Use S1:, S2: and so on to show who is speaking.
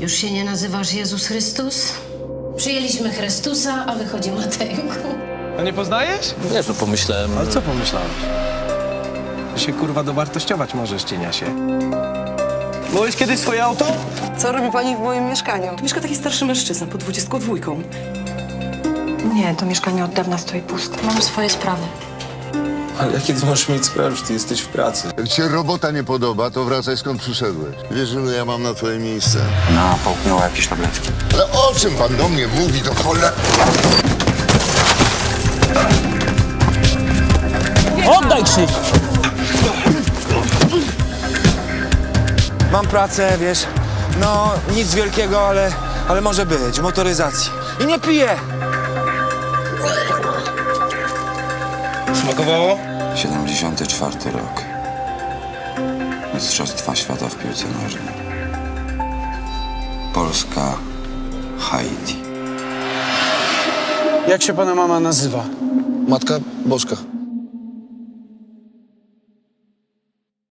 S1: Już się nie nazywasz Jezus Chrystus? Przyjęliśmy Chrystusa, a wychodzi Matejku.
S2: A nie poznajesz?
S3: Nie, to pomyślałem...
S2: Ale co pomyślałeś? Że się kurwa dowartościować możesz, cieniasie. Byłeś kiedyś swoje auto?
S4: Co robi pani w moim mieszkaniu?
S5: Tu mieszka taki starszy mężczyzna pod 22.
S4: Nie, to mieszkanie od dawna stoi puste.
S1: Mam swoje sprawy.
S3: Ale jakie ty możesz mieć sprawy, że ty jesteś w pracy?
S6: Jak ci się robota nie podoba, to wracaj skąd przyszedłeś. Wiesz, że ja mam na twoje miejsce.
S7: Ona połknęła jakieś tabletki.
S6: Ale o czym pan do mnie mówi, to cholera?
S8: Oddaj Krzyś!
S9: Mam pracę, wiesz, no nic wielkiego, ale może być, w motoryzacji. I nie piję!
S2: Smakowało?
S7: 74 rok. Mistrzostwa świata w piłce nożnej. Polska, Haiti.
S8: Jak się pana mama nazywa?
S3: Matka Bożka.